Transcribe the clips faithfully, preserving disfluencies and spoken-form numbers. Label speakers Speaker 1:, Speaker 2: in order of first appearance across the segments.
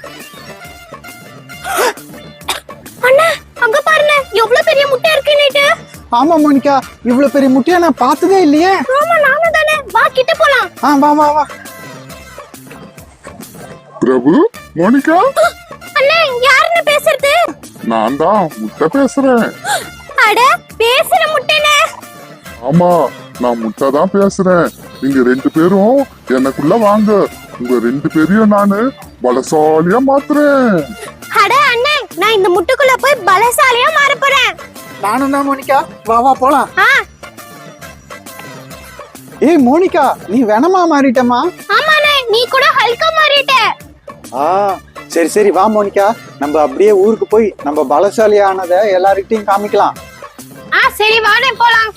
Speaker 1: அண்ணா அங்க பாருங்க எவ்வளவு பெரிய முட்டை இருக்குன்னு.
Speaker 2: ஆமா மோனிகா, இவ்வளவு பெரிய முட்டையா நான் பார்த்ததே இல்லையே.
Speaker 1: ஆமா நானும் தானே. வா கிட்ட போலாம்.
Speaker 2: ஆ வா வா வா.
Speaker 3: பிரபு, மோனிகா.
Speaker 1: அண்ணா யாருன்னு பேசுறது?
Speaker 3: நான் தான் முட்டை பேசுறேன்.
Speaker 1: அட பேசுற முட்டைனே.
Speaker 3: ஆமா, நான் முட்டை தான் பேசுறேன். நீங்க ரெண்டு பேரும் எனக்குள்ள வாங்க. உங்க ரெண்டு பேரையும் நானு பலசாலியா மாத்துறேன்.
Speaker 1: அட அண்ணே, நான் இந்த முட்டைக்குள்ள போய் பலசாலியா மாற போறேன்.
Speaker 2: நானும் தான் மோனிகா, வா வா போலாம்.
Speaker 1: ஆ
Speaker 2: ஏய் மோனிகா, நீ வேணமா மாறிட்டமா?
Speaker 1: ஆமாண்ணே, நீ கூட ஹல்கா மாறிட்ட.
Speaker 2: ஆ சரி சரி வா மோனிகா, நம்ம அப்படியே ஊருக்கு போய் நம்ம பலசாலி ஆனதை எல்லார்கிட்டையும் காமிக்கலாம்.
Speaker 1: ஆ சரி வாடே போலாம்.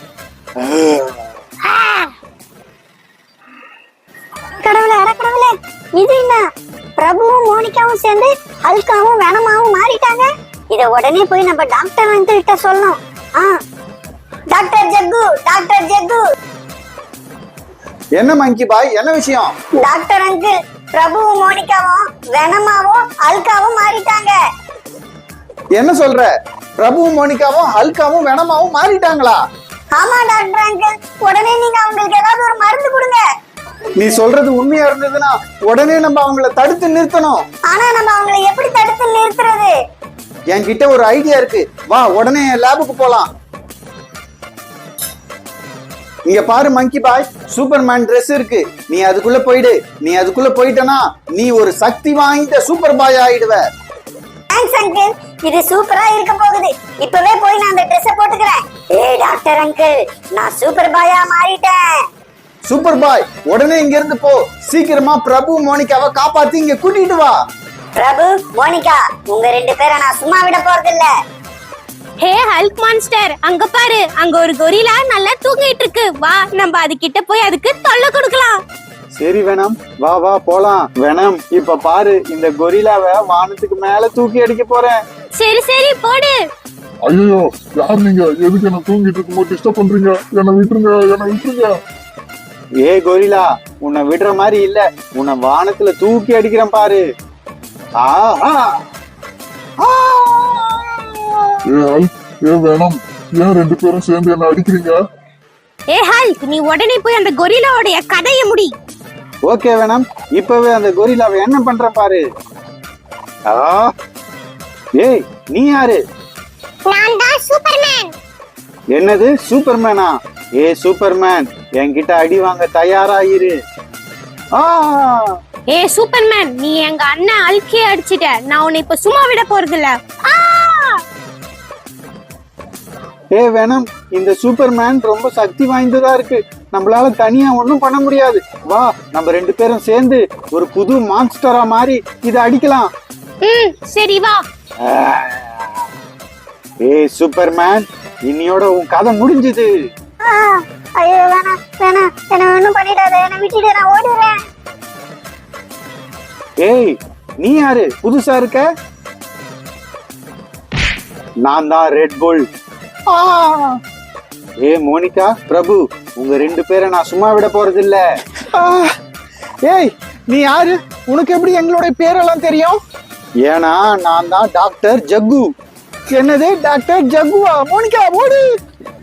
Speaker 1: கடவுளே, அட கடவுளே, இது என்ன? பிரபுவும் மோனிகாவும் சேர்ந்து ஹல்காவும் வேணமாவும் மாறிட்டாங்க. இத உடனே போய் நம்ம டாக்டர் அங்கிள் கிட்ட சொல்லணும். ஆ டாக்டர் ஜக்கு, டாக்டர் ஜக்கு.
Speaker 2: என்ன மங்கி பாய், என்ன விஷயம்?
Speaker 1: டாக்டர் அங்கிள், பிரபுவும் மோனிகாவும் வேணமாவும் ஹல்காவும் மாறிட்டாங்க.
Speaker 2: என்ன சொல்ற? பிரபுவும் மோனிகாவும் ஹல்காவும் வேணமாவும் மாறிட்டாங்களா?
Speaker 1: ஆமா டாக்டர் அங்கிள், உடனே நீங்க அவங்களுக்கு ஏதாவது ஒரு மருந்து கொடுங்க.
Speaker 2: நீ சொல்றது உண்மையா இருந்ததுன்னா உடனே நம்ம அவங்கள தடுத்து நிறுத்தணும்.
Speaker 1: ஆனா நம்ம அவங்களை எப்படி தடுத்து நிறுத்துறது?
Speaker 2: என்கிட்ட ஒரு ஐடியா இருக்கு, வா உடனே என் லேபுக்கு போலாம். இங்க பாரு மங்கி பாய், சூப்பர்மேன் Dress இருக்கு. நீ அதுக்குள்ள போயிடு. நீ அதுக்குள்ள போயிட்டனா நீ ஒரு சக்தி வாய்ந்த சூப்பர் பாய் ஆயிடுவ.
Speaker 1: தேங்க்ஸ் அங்கிள், இது சூப்பரா இருக்க போகுது. இப்பவே போய் நான் அந்த Dress போட்டுக்கிறேன். ஏய் டாக்டர் அங்கிள், நான் சூப்பர் பாயா மாறிட்டேன்.
Speaker 2: சூப்பர் பாய், உடனே இங்க இருந்து போ. சீக்கிரமா பிரபு மோனிகாவை காப்பாத்தி இங்க கூட்டிட்டு வா.
Speaker 1: பிரபு, மோனிகா, உங்க ரெண்டு பேரை நான் சும்மா விட போறது இல்ல. ஹே ஹல்க் மான்ஸ்டர், அங்க பாரு, அங்க ஒரு கொரில்லா நல்லா தூங்கிட்டு இருக்கு. வா நம்ம அது கிட்ட போய் அதுக்கு தொல்லை கொடுக்கலாம்.
Speaker 2: சரி வேணாம், வா வா போலாம். வேணாம், இப்ப பாரு, இந்த கொரில்லாவை வானத்துக்கு மேல தூக்கி அடிக்க போறேன்.
Speaker 1: சரி சரி போடு.
Speaker 3: ஐயோ, யார் நீங்க? எதுக்கு என்ன தூங்கிட்டு இருக்கும்போது டிஸ்டர்ப் பண்றீங்க? என்ன விட்டுருங்க, என்ன விட்டுருங்க.
Speaker 2: ஏ கொரில்லா, உன்னை விடுற மாதிரி இல்ல, உன்னை வானத்துல தூக்கி அடிக்கிறேன் பாரு. ஆஹா
Speaker 3: ஏ ஹல்க், ஏ வேணாம், ஏன் ரெண்டு பேரும் சேர்ந்து என்ன அடிக்கிறீங்க?
Speaker 1: ஏ ஹல்க், நீ உடனே போய் அந்த கொரில்லாவோட கதையை முடி.
Speaker 2: ஓகே வேணாம், இப்பவே அந்த கொரில்லாவை என்ன பண்ற பாரு. ஆ ஏய், நீ யாரு?
Speaker 1: நான் தான் சூப்பர்மேன்.
Speaker 2: என்னது சூப்பர்மேனா? ஏ சூப்பர்மேன், என்கிட்ட அடி வாங்க தயாராயிரு. ஆ
Speaker 1: ஏ சூப்பர்மேன், நீ எங்க அண்ணன் அல்கே அடிச்சிட்ட. நான் உன்னை இப்ப சும்மா விட போறது இல்ல.
Speaker 2: ஏ வேணாம், இந்த சூப்பர்மேன் ரொம்ப சக்தி வாய்ந்ததா இருக்கு. நம்மளால தனியா ஒண்ணும் பண்ண முடியாது. வா, நம்ம ரெண்டு பேரும் சேர்ந்து ஒரு புது மான்ஸ்டரா மாறி இதை அடிக்கலாம்.
Speaker 1: ம் சரி வா.
Speaker 2: ஏ சூப்பர்மேன், இன்னியோட உன் கதை முடிஞ்சது.
Speaker 1: ஐயோ வேணாம் வேணாம், என்ன ஒண்ணும் பண்ணிடாத, என்ன விட்டுட்டு நான் ஓடுறேன்.
Speaker 2: ஏய், நீ யாரு? புதுசா இருக்க? நான் தான் ரெட் புல். ஏ மோனிகா, பிரபு, உங்க ரெண்டு பேரை நான் சும்மா விட போறது இல்ல. ஏய், நீ யாரு? உனக்கு எப்படி எங்களுடைய பேரெல்லாம் தெரியும்? ஏன்னா நான் தான் டாக்டர் ஜக்கு. என்னது டாக்டர் ஜக்குவா? மோனிகா ஓடு.